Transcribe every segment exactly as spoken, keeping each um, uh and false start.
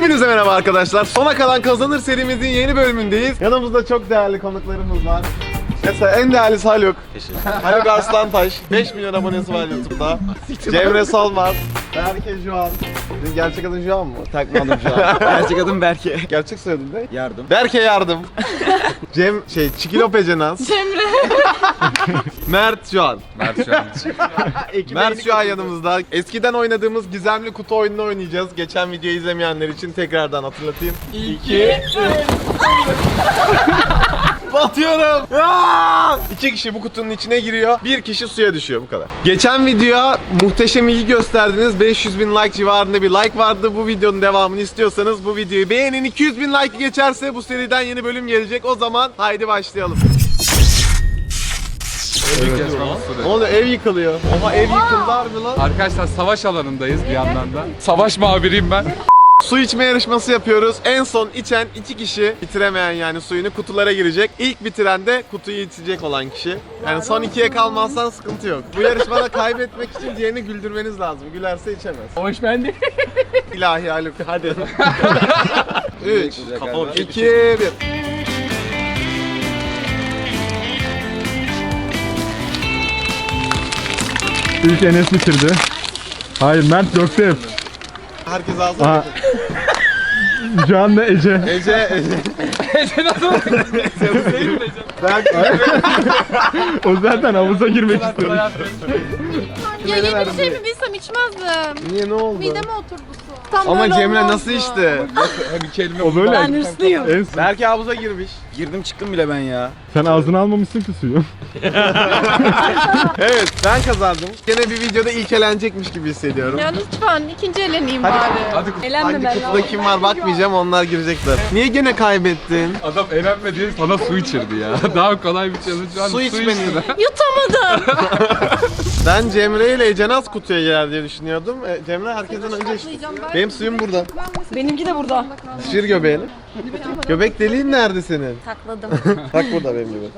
Hepinize merhaba arkadaşlar. Sona kalan kazanır serimizin yeni bölümündeyiz. Yanımızda çok değerli konuklarımız var. Mesela en değerlisi Haluk. Haluk Arslantaş. beş milyon abonesi var YouTube'da. Cemre Solmaz. Berke Juan. Senin gerçek adın Juan mı? Takma adım şu an. Gerçek adım Berke. Gerçek soyadın ne? Yardım. Berke Yardım. Cem şey Çikilope Cenaz. Cemre. Mert Juan. Mert şu an. Mert şu an yanımızda. Eskiden oynadığımız gizemli kutu oyununu oynayacağız. Geçen videoyu izlemeyenler için tekrardan hatırlatayım. İki. Batıyorum. Aa! İki kişi bu kutunun içine giriyor. Bir kişi suya düşüyor, bu kadar. Geçen videoya muhteşem ilgi gösterdiniz. beş yüz bin like civarında bir like vardı. Bu videonun devamını istiyorsanız bu videoyu beğenin. iki yüz bin like geçerse bu seriden yeni bölüm gelecek. O zaman haydi başlayalım. Ne oluyor? Ev yıkılıyor. Oha, ev yıkıldı harbi lan. Arkadaşlar savaş alanındayız bir yandan da. Savaş muhabiriyim ben. Su içme yarışması yapıyoruz. En son içen iki kişi, bitiremeyen yani suyunu, kutulara girecek. İlk bitiren de kutuyu içecek olan kişi. Yani son ikiye kalmazsan sıkıntı yok. Bu yarışmada kaybetmek için diğerini güldürmeniz lazım. Gülerse içemez. Hoş bende. İlahi Haluk, hadi. üç, iki, bir. İlk Enes bitirdi. Hayır, Mert döktü hep. Herkes ağzına Aha. Şu anda Ece. Ece, Ece. Ece nasıl? Ben... O zaten havuza girmek istiyor. Ya yeni bir şey mi bilsem içmezdim. Niye, ne oldu? Mideme oturdu su. Tam Ama böyle Cemre olmazdı. nasıl içti? Hem iki elime O böyle. Ben hırslıyım. En- Belki havuza girmiş. Girdim çıktım bile ben ya. Sen ağzına almamışsın ki suyu. Evet, ben kazandım. Gene bir videoda ilk elenecekmiş gibi hissediyorum. Ya lütfen ikinci eleneyim Hadi. bari. Hadi. Hangi kutuda kim var bakmayacağım, onlar girecekler. Niye gene kaybettin? Adam eğlenme diye sana su içirdi ya. Daha kolay bir challenge var. Su içmeni. içti. Yutamadım. Ben Cemre ile Ece Naz kutuya girer diye düşünüyordum. E, Cemre herkesten önce içti. Benim suyum burada. Benimki de burada. Şişir göbeğini. Göbek deliğin nerede senin? Sakladım. Bak burada benim gibi.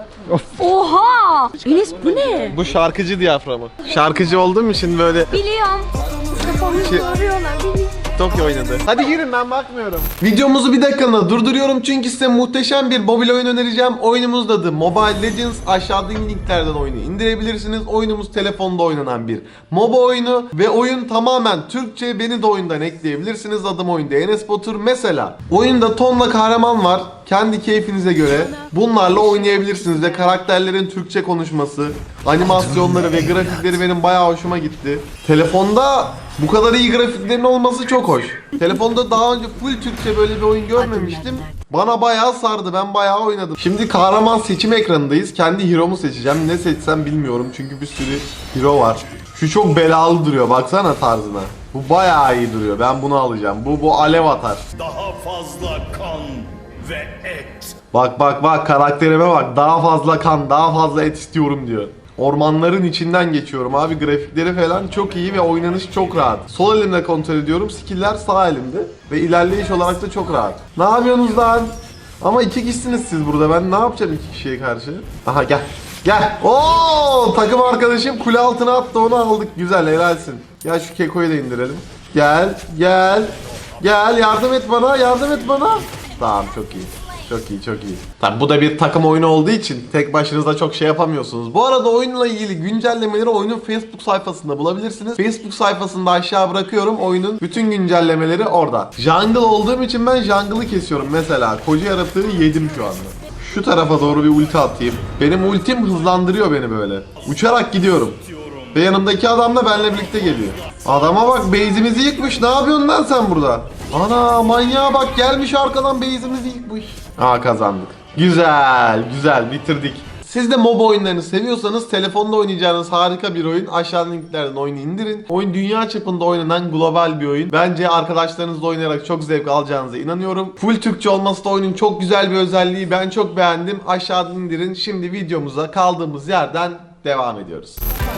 Oha! Enes bu ne? Bu şarkıcı diyaframı. Şarkıcı olduğum için böyle Biliyorum. Kafamı Şey- soruyorlar. Tokyo oynadı. Hadi girin, ben bakmıyorum. Videomuzu bir dakikalığına durduruyorum çünkü size muhteşem bir mobil oyun önereceğim. Oyunumuz da adı Mobile Legends. Aşağıdaki linklerden oyunu indirebilirsiniz. Oyunumuz telefonda oynanan bir MOBA oyunu ve oyun tamamen Türkçe. Beni de oyundan ekleyebilirsiniz. Adım oyunda Enes Batur. Mesela oyunda tonla kahraman var. Kendi keyfinize göre bunlarla oynayabilirsiniz ve karakterlerin Türkçe konuşması, animasyonları ve grafikleri benim bayağı hoşuma gitti. Telefonda bu kadar iyi grafiklerin olması çok hoş. Telefonda daha önce full Türkçe böyle bir oyun görmemiştim. Bana bayağı sardı. Ben bayağı oynadım. Şimdi kahraman seçim ekranındayız. Kendi hero'mu seçeceğim. Ne seçsem bilmiyorum çünkü bir sürü hero var. Şu çok belalı duruyor. Baksana tarzına. Bu bayağı iyi duruyor. Ben bunu alacağım. Bu bu alev atar. Daha fazla kan ve et. Bak bak bak, karakterime bak. Daha fazla kan, daha fazla et istiyorum diyor. Ormanların içinden geçiyorum abi. Grafikleri falan çok iyi ve oynanış çok rahat. Sol elimle kontrol ediyorum. Skill'ler sağ elimde. Ve ilerleyiş olarak da çok rahat. Ne yapıyorsunuz lan? Ama iki kişisiniz siz burada. Ben ne yapacağım iki kişiye karşı? Aha gel. Gel. Oo, takım arkadaşım kule altına attı, onu aldık. Güzel, helalsin. Gel şu kekoyu da indirelim. Gel, gel. Gel, yardım et bana, yardım et bana. Tamam, çok iyi. Çok iyi, çok iyi. Tabii bu da bir takım oyunu olduğu için tek başınıza çok şey yapamıyorsunuz. Bu arada oyunla ilgili güncellemeleri oyunun Facebook sayfasında bulabilirsiniz. Facebook sayfasında aşağı bırakıyorum. Oyunun bütün güncellemeleri orada. Jungle olduğum için ben jungle'ı kesiyorum. Mesela koca yaratığı yedim şu anda. Şu tarafa doğru bir ulti atayım. Benim ultim hızlandırıyor beni böyle. Uçarak gidiyorum. Ve yanımdaki adam da benimle birlikte geliyor. Adama bak, base'imizi yıkmış. Ne yapıyorsun lan sen burada? Ana manyağa bak, gelmiş arkadan base'imizi yıkmış. Aa, kazandık. Güzel, güzel, bitirdik. Siz de MOBA oyunlarını seviyorsanız telefonda oynayacağınız harika bir oyun. Aşağıdan linklerden oyunu indirin. Oyun dünya çapında oynanan global bir oyun. Bence arkadaşlarınızla oynayarak çok zevk alacağınıza inanıyorum. Full Türkçe olması da oyunun çok güzel bir özelliği. Ben çok beğendim. Aşağıdan indirin. Şimdi videomuza kaldığımız yerden devam ediyoruz.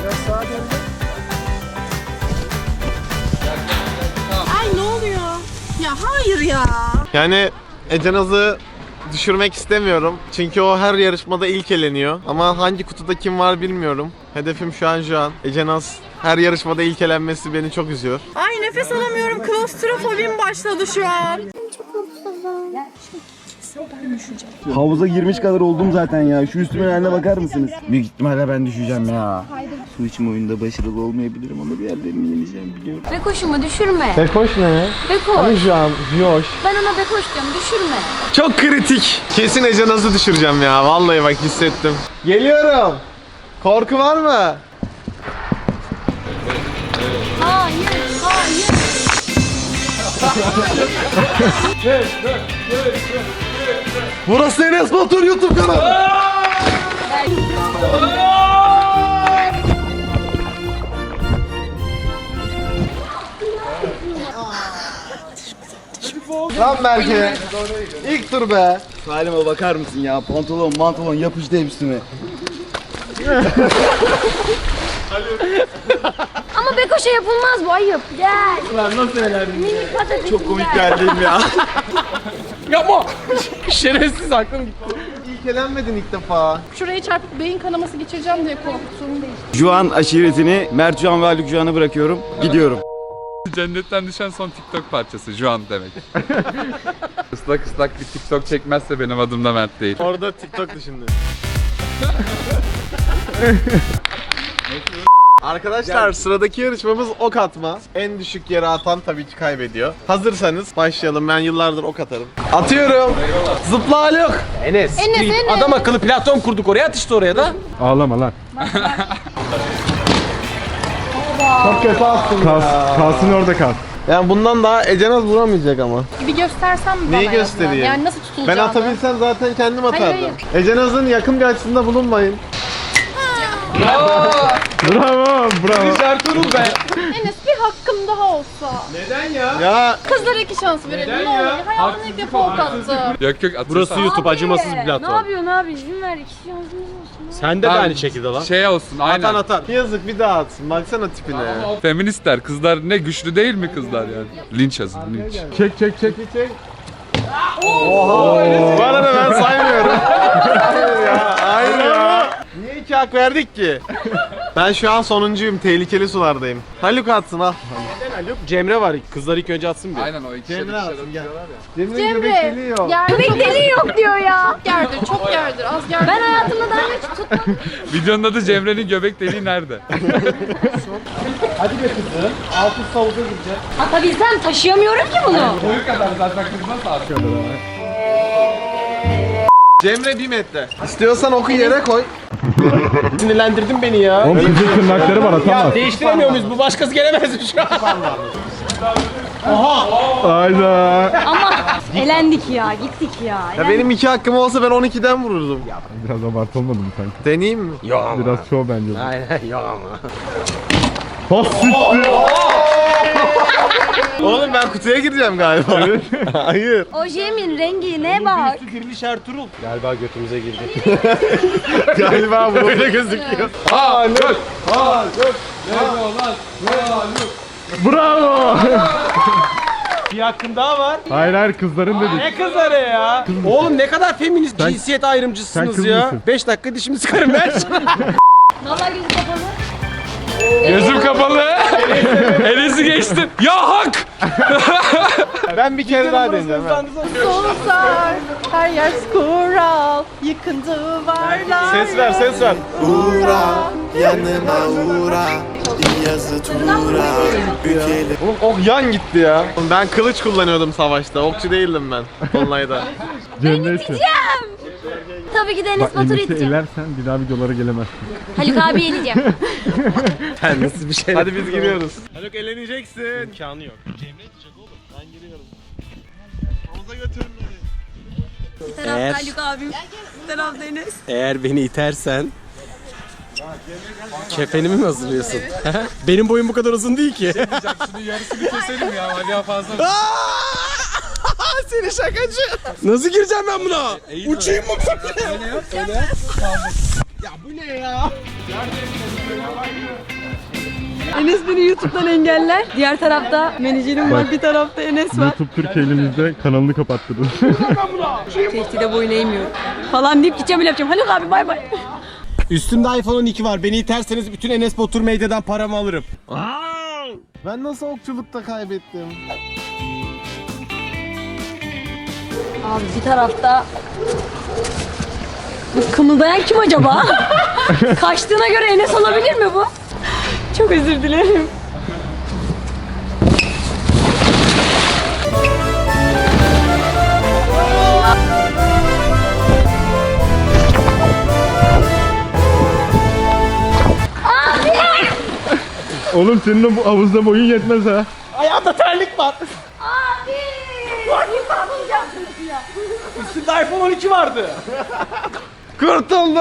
Ay ne oluyor? Ya hayır ya. Yani Ece Naz'ı düşürmek istemiyorum. Çünkü o her yarışmada ilk eleniyor. Ama hangi kutuda kim var bilmiyorum. Hedefim şu an şu an. Ece Naz Her yarışmada ilk elenmesi beni çok üzüyor. Ay nefes alamıyorum. Klostrofobim başladı şu an. Havuza girmiş kadar oldum zaten ya. Şu üstüme haline bakar mısınız? Büyük ihtimalle ben düşeceğim ya. Su içme oyunda başarılı olmayabilirim ama bir yerden yenileceğim biliyorum. Bekoş'umu düşürme. Bekoş ne? Bekoş. Şu an Yoş. Ben ona Bekoş diyorum, düşürme. Çok kritik. Kesin Ece nasıl düşüreceğim ya. Vallahi bak hissettim. Geliyorum. Korku var mı? Hayır, hayır. Burası Enes Batur YouTube kanalı. Lan Berke. İlk tur be. Halime bakar mısın ya? Pantolon, mantolon yapıştı üstüme. Ama Bekoş'a yapılmaz bu, ayıp. Gel. Ulan nasıl elendin? Minik patatesim. Çok komik geldim ya. Yapma. Şerefsiz aklım gitti. İlk elenmedin ilk defa. Şurayı çarpıp beyin kanaması geçireceğim diye korktum. Juan aşiretini Mert Juan ve Haluk Juan'a bırakıyorum. Gidiyorum. Cennetten düşen son TikTok parçası şu an demek. Islak ıslak bir TikTok çekmezse benim adım da Mert değil. Orada TikTok'tu şimdi. Arkadaşlar sıradaki yarışmamız ok atma. En düşük yere atan tabii ki kaybediyor. Hazırsanız başlayalım. Ben yıllardır ok atarım. Atıyorum. Zıpla Haluk. Enes, Enes. Adam akıllı platform kurduk oraya, at işte oraya da. Ağlama lan. Çok kötü attın Kal, ya. kalsın orada kal. Yani bundan daha Ecenaz vuramayacak ama. Bir göstersem mi bana Neyi en azından? göstereyim? Yani nasıl Ben tutulacağını. atabilsem zaten kendim atardım. hayır. Ecenaz'ın yakın bir açısında bulunmayın. Bravo, bravo. Ertuğrul be. Enes bir hakkım daha olsa. Ya Kızlara iki şans verelim. Ne olur. Hayatımda ilk defa ok attım. Yok yok atırsan. Burası YouTube, acımasız bir Ne platform. yapıyorsun abi? İzin ver, iki şansımız olsun. Sen de, de Tamam. aynı şekilde lan. Şey olsun aynen. atan atar. Yazık bir daha atsın. Baksana tipine. Feministler kızlar ne güçlü değil mi kızlar yani? Linç yazın linç. Çek çek çek. Bu arada ben saymıyorum. Hayır ya. Hayır ya. Niye iki hak verdik ki? Ben şu an sonuncuyum. Tehlikeli sulardayım. Haluk atsın al. Cemre var, kızlar ilk önce atsın bir. Aynen o iki Cemre şey atsın gel. Cemre Cemre. göbek deliği yok. Göbek deliği yok diyor ya. Gerdir, çok gerdir. Az gerdir. Ben hayatımda daha hiç tutmadım. Videonun adı Cemre'nin göbek deliği nerede? Altı savuza gideceğim. Atabilsem taşıyamıyorum ki bunu. Boyu kadar zaten kız nasıl artık? Cemre bir metre. İstiyorsan oku yere koy. Sinirlendirdin beni ya. Oğlum kızın tırnakları var atamaz. Değiştiremiyor muyuz? Bu başkası gelemez mi şu an? Hayda. Ama elendik ya, gittik ya. Ya benim iki hakkım olsa ben on ikiden vururdum. Biraz abartı olmadı mı sanki? Deneyeyim mi? Biraz çoğu bence bu. Aynen, yok ama. Has siktir. Oğlum ben kutuya gireceğim galiba. Hayır. Ojemin rengine bak. Diriliş Ertuğrul. Galiba götümüze girdi. Galiba bu öyle gözüküyor. Haluk! Haluk! Bravo. Bir hakkın daha var. Hayır hayır kızların dedik. Ne kızları ya? Oğlum ne kadar feminist, Sen- cinsiyet sen ayrımcısınız kız ya. mısın? beş dakika dişimi sıkarım ben. Vallahi gözü kapalı. Gözüm kapalı. Enes'i geçtim. Ya hak! Ben bir kere daha deneyeceğim. Susar, her yer kural, yıkın duvarlar. Ses ver, ses ver. Yanıma uğra, yazı tura, bükelim. Oğlum ok yan gitti ya. Ben kılıç kullanıyordum savaşta. Okçu değildim ben. Onlayda. Cemre için. Tabii ki de Bak Enes Batur'u Enes'i iteceğim. elersen bir daha videolara gelemezsin. Haluk abi yeneceğim. Nasıl bir şey? Hadi biz giriyoruz. Haluk eğleneceksin. İmkanı yok. Ben giriyorum. Havuza götürün beni. Bir tarafta Eğer- Haluk abim, bir tarafta Enes. Eğer beni itersen kefenimi mi hazırlıyorsun? Benim boyum bu kadar uzun değil ki. Şunun yarısını keselim ya. Ali fazla. Seni şakacı. Nasıl gireceğim ben buna? Uçayım mı böyle? Ya bu ne ya? Enes beni YouTube'dan engeller. Diğer tarafta menajerim var, bir tarafta Enes var. YouTube Türkiye elimizde kanalını kapattırdın. Tehdide boyun eğmiyorum. Falan deyip gideceğim öyle yapacağım. Haluk abi bay bay. Üstümde iPhone on iki var. Beni iterseniz bütün Enes Batur Medya'dan paramı alırım. Ben nasıl okçulukta kaybettim? Abi bir tarafta... Bu kımıldayan kim acaba? Kaçtığına göre Enes olabilir mi bu? Çok özür dilerim. Oğlum senin de bu havuzda boyun yetmez ha. Ayağımda terlik var. Abi! Yılan olacaksınız ya. Üstümde iPhone on iki vardı. Kurtuldum!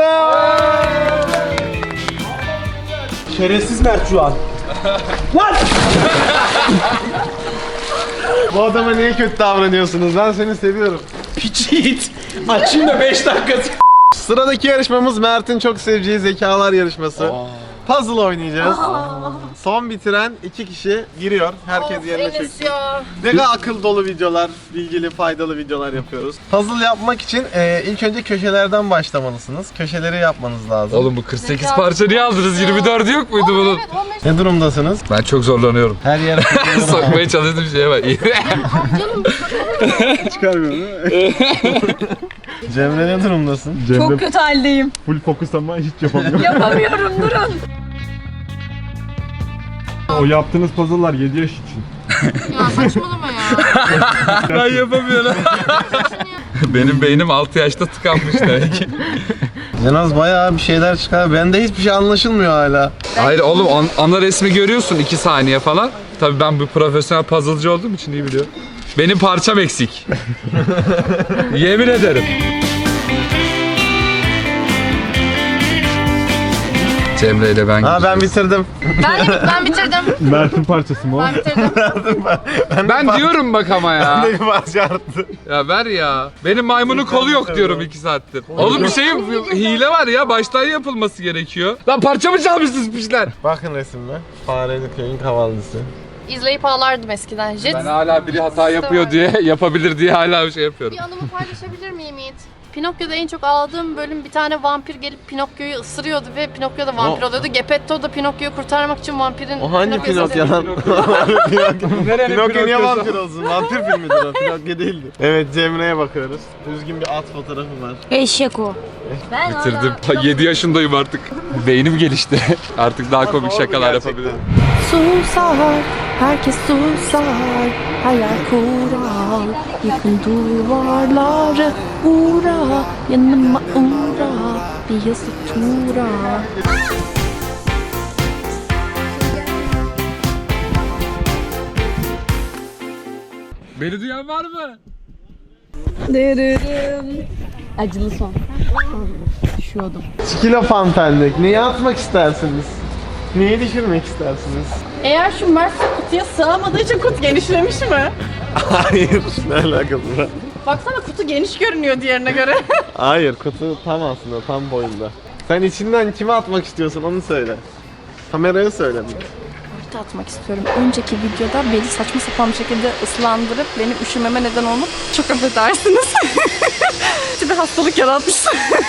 Şerefsiz Mert şu an. Lan! Bu adama niye kötü davranıyorsunuz? Ben seni seviyorum. Piç yiğit. Açayım da beş dakika. Sıradaki yarışmamız Mert'in çok seveceği zekalar yarışması. Puzzle oynayacağız. Son bitiren iki kişi giriyor. Herkes yerine çöksün. Ne kadar akıl dolu videolar, bilgili, faydalı videolar yapıyoruz. Puzzle yapmak için e, ilk önce köşelerden başlamalısınız. Köşeleri yapmanız lazım. Oğlum bu kırk sekiz parça niye aldınız? yirmi dördü yok muydu bunun? Ne durumdasınız? Ben çok zorlanıyorum. Her yere Sokmaya çalıştığım şeye bak. çıkarmıyorum değil mi? Cemre ne durumdasın? Cemre Çok kötü haldeyim. full fokus ama hiç yapamıyor. Yapamıyorum, durun. O yaptığınız puzzle'lar yedi yaş için. Ya saçmalama ya. Ben yapamıyorum. Benim beynim altı yaşta tıkanmış demek ki. Cenaz bayağı bir şeyler çıkar. Bende hiçbir şey anlaşılmıyor hala. Hayır oğlum an- ana resmi görüyorsun iki saniye falan. Tabii ben bu profesyonel puzzle'cı olduğum için iyi biliyorum. Benim parçam eksik. Yemin ederim. Cemre ile ben Ha ben gideceğiz. bitirdim. Ben, ben bitirdim. Mert'in parçası mı o? Ben bitirdim. Ben diyorum bak ama ya. Ne bir parça arttı. Ya ver ya. Benim maymunun kolu yok diyorum iki saattir. Oğlum bir şey hile var ya. Baştan yapılması gerekiyor. Lan parça mı çalmışsınız piçler? Bakın resimle. Fareli köyün kavallısı. İzleyip ağlardım eskiden. Jet. Ben hala biri hata yapıyor diye, yapabilir diye hala bir şey yapıyorum. Bir anımı paylaşabilir miyim Yiğit? Pinokyo'da en çok ağladığım bölüm bir tane vampir gelip Pinokyo'yu ısırıyordu ve Pinokyo da vampir O- oluyordu. Geppetto da Pinokyo'yu kurtarmak için vampirin O hangi Pinokyo'yu Pinokyo lan? Nerenin Pinokyo niye Pinokyo'su? vampir olsun? Vampir filmidir o. Pinokyo değildi. Evet Cemre'ye bakıyoruz. Düzgün bir at fotoğrafı var. Eşek o. Ben Bitirdim. yedi yaşındayım artık. Beynim gelişti. Artık daha komik Doğru şakalar gerçekten. yapabilirim. Susar, herkes susar, hayal kurar, yıkın duvarları, uğra, yanıma uğra, bir yazı tura. Beni duyan var mı? Acılı son. Skilo fantendik. Neyi atmak istersiniz? Neyi düşürmek istersiniz? Eğer şu Mert kutuya sığamadığı için kutu genişlemiş mi? Hayır. Ne alakası var? Baksana kutu geniş görünüyor diğerine göre. Hayır kutu tam aslında tam boyunda. Sen içinden kime atmak istiyorsun onu söyle. Kameraya söyle. Kutu atmak istiyorum. Önceki videoda beni saçma sapan bir şekilde ıslandırıp benim üşümeme neden olup çok affedersiniz. bir hastalık yaratmışsın.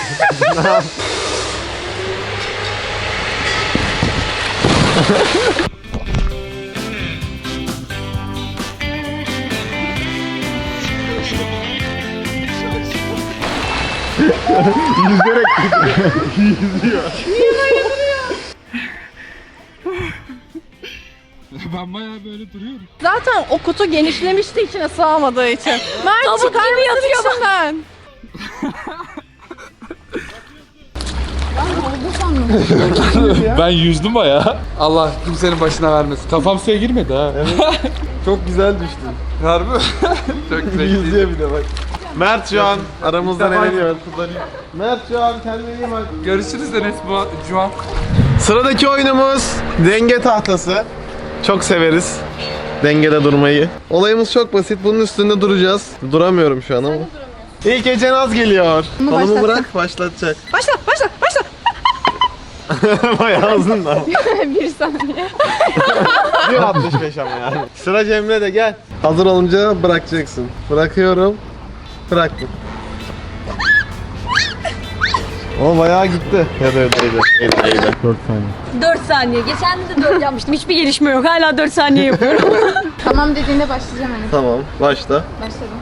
Yüzerek yüzüyor. Ben bayağı böyle duruyorum. Zaten o kutu genişlemişti içine sığamadığı için. Mert Tavuk çıkar gibi mısın yatıyor bak. içinden? Ben yüzdüm bayağı. Allah kimsenin başına vermesin. Kafam suya girmedi ha. Çok güzel düştün. Harbi mi? Çok zevkliydi. Yüzüyor bir de bak. Mert şu an aramızdan eleniyor. Mert şu an kendine iyi bak. Görüşürüz Enes bu şu an. Sıradaki oyunumuz denge tahtası. Çok severiz dengede durmayı. Olayımız çok basit. Bunun üstünde duracağız. Duramıyorum şu an ama. İlk Ece Naz geliyor. Kolumu bırak başlatacak. Başla, başla, başla. Bayağı uzun da. bir saniye. bir altmış beş ama yani. Sıra Cemre de gel. Hazır olunca bırakacaksın. Bırakıyorum. Bıraktım. O bayağı gitti. Ya da öyleydi. Öyleydi. dört saniye. dört saniye. Geçen de dört yapmıştım. Hiçbir gelişme yok. Hala dört saniye yapıyorum. Tamam dediğinde başlayacağım Enes. Tamam. Başla. Başladım.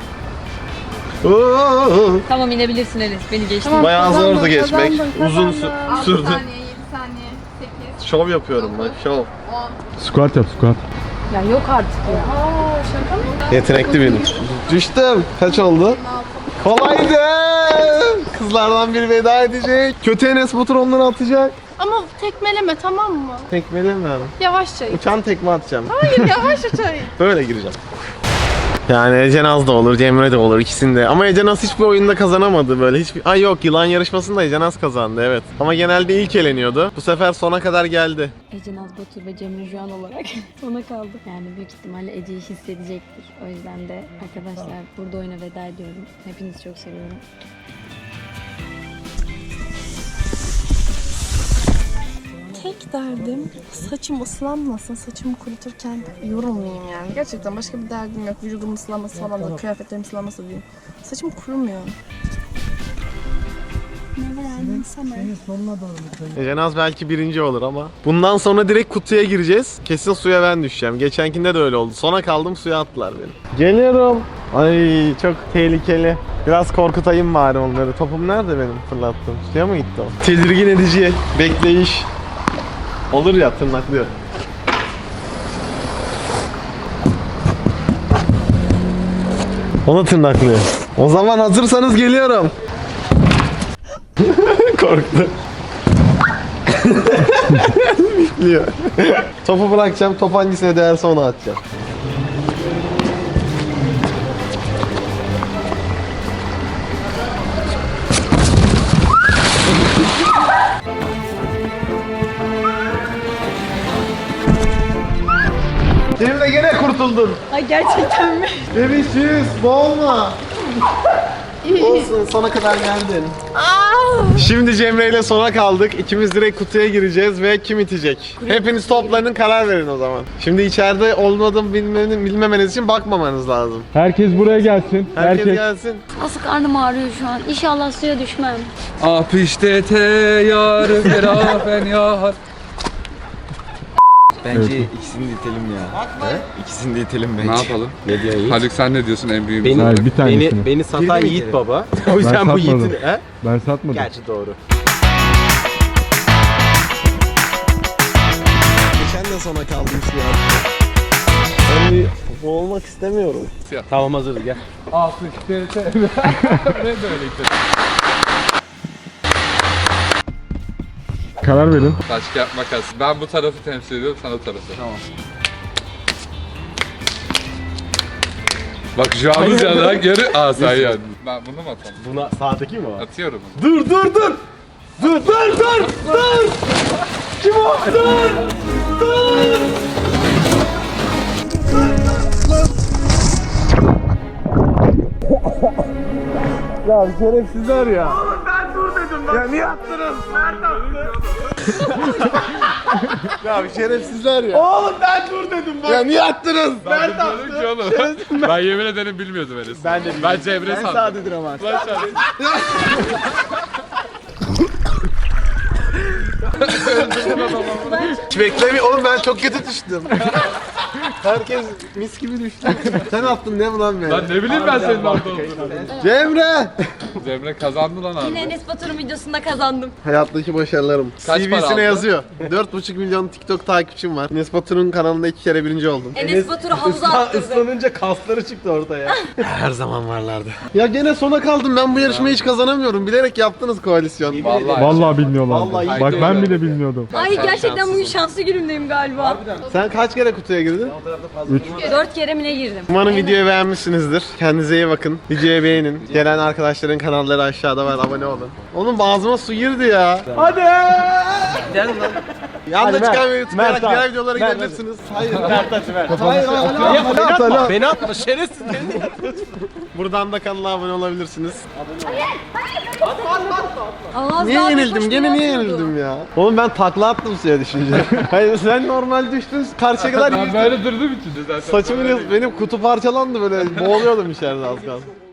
Oo, Tamam inebilirsin Enes. Beni geçtin. bayağı kazandım, zordu geçmek. kazandım, Uzun kazandım. sü- altı sürdü. saniye, yedi saniye, sekiz, Şov yapıyorum bak. Şov. on. Squat yap squat. Ya yok artık ya. Aa şaka mı? Yetenekli benim. Düştüm. Kaç oldu? Kolaydı. Kızlardan biri veda edecek. Kötü Enes Batur onları atacak. Ama tekmeleme tamam mı? Tekmeleme abi. Yavaşça it. Uçan tekme atacağım. Hayır yavaşça it. Böyle gireceğim. Yani Ece Naz da olur, Cemre de olur ikisinde. Ama Ece Naz hiçbir oyunda kazanamadı böyle. Hiçbir... Ay yok, yılan yarışmasında Ece Naz kazandı evet. Ama genelde ilk eleniyordu. Bu sefer sona kadar geldi. Ece Naz Batur ve Cemre Juan olarak sona kaldı. Yani büyük ihtimalle Ece'yi hissedecektir. O yüzden de arkadaşlar burada oyuna veda ediyorum. Hepinizi çok seviyorum. Tek derdim saçım ıslanmasın, saçımı kuruturken yorulmayayım yani. Gerçekten başka bir derdim yok. Vücudum ıslanması falan da, kıyafetlerim ıslanması değil. Saçım kurumuyor. Ece Naz belki birinci olur ama. Bundan sonra direkt kutuya gireceğiz. Kesin suya ben düşeceğim. Geçenkinde de öyle oldu. Sona kaldım, suya attılar beni. Geliyorum. Ay çok tehlikeli. Biraz korkutayım bari onları. Topum nerede benim fırlattığım? Suya mı gitti o? Tedirgin edici bekleyiş. Olur ya, tırnaklıyor. Onu tırnaklıyor. O zaman hazırsanız geliyorum. Korktu. Bekliyor. Topu bırakacağım. Top hangisine değerse onu atacağım. Şimdi de gene kurtuldun. Ay gerçekten mi? Bebişiz, boğulma. Olsun, sona kadar geldin. Şimdi Cemre ile sona kaldık. İkimiz direkt kutuya gireceğiz ve kim itecek? Hepiniz toplanın, karar verin o zaman. Şimdi içeride olmadığımı bilmeni- bilmemeniz için bakmamanız lazım. Herkes buraya gelsin. Herkes, Herkes. gelsin. Asıl karnım ağrıyor şu an. İnşallah suya düşmem. Ah işte te yar ferafen yar. Bence ikisini de itelim ya. He? İkisini de itelim bence. Ne yapalım? Ne diyor Yiğit? Haluk sen ne diyorsun en büyüğümüz Beni, olarak? Hayır, bir tanesini. beni, beni satan Birini Yiğit mi baba. O yüzden bu satmadım. Yiğit'in... He? Ben satmadım. Gerçi doğru. Geçen de sona kaldım şu an. Ben bir boğulmak istemiyorum. Tamam hazırız gel. Ah işte te. Ne böyle işte. Karar verin. Taş kağıt makas. Ben bu tarafı temsil ediyorum, sen o tarafı. Tamam. Bak şu an üzerinden geri... Aa sen yani. Ben bunu mu atalım? Buna sağdaki mi var? Atıyorum. Dur dur dur! Dur dur dur! Dur! Kim o? Dur! Dur! Ya şerefsizler ya. Oğlum ben dur dedim lan. Ya niye attınız? Mert attı. Ya şerefsizler ya. Oğlum ben dur dedim bak. Ya niye attınız? Mert attı. Ki oğlum. Ben yemin ederim bilmiyordum Enes. Ben de Ben Cemre sandım. sağdadır ama. Ben sağ- Hiç beklemiyorum. Oğlum ben çok kötü düştüm. Herkes mis gibi düştü. Sen attın değil mi lan beni? Lan ne bileyim ben senin orada olduğunu. Cemre! Cemre kazandı lan abi. Yine Enes Batur'un videosunda kazandım. Hayattaki başarılarım. Kaç C para V'sine aldın? yazıyor. dört buçuk milyon TikTok takipçim var. Enes Batur'un kanalında iki kere birinci oldum. Enes Batur'u havuza attırdı. Islanınca kasları çıktı ortaya. Her zaman varlardı. Ya gene sona kaldım. Ben bu yarışmayı hiç kazanamıyorum. Bilerek yaptınız koalisyon. Vallahi. Vallahi bilmiyorlardı. Vallahi Bak ben bilmiyorum. bile bilmiyordum. Ay gerçekten bugün şanslı günümdeyim galiba. Sen kaç kere kutuya girdin? Dört kere mi ne girdim? Umarım videoyu beğenmişsinizdir. Kendinize iyi bakın. Videoyu beğenin. Gelen arkadaşların kanalları aşağıda var. Abone olun. Oğlum ağzıma su girdi ya. Hadi. Yanda çıkan videoyu tıklayarak diğer videolara gidebilirsiniz. Hayır. Mert at Mert. Hayır. Hayır. Beni atma. Beni atma şerefsiz beni. Buradan da kanala abone olabilirsiniz. Az Niye daha yenildim? boş Gene bir niye yol yenildim ya? Oğlum ben takla attım suya düşünce. Hayır sen normal düştün. Karşıya kadar Ben böyle durdum içinde zaten. saçımın benim kutu parçalandı böyle. Boğuluyordum içeride az kalsın.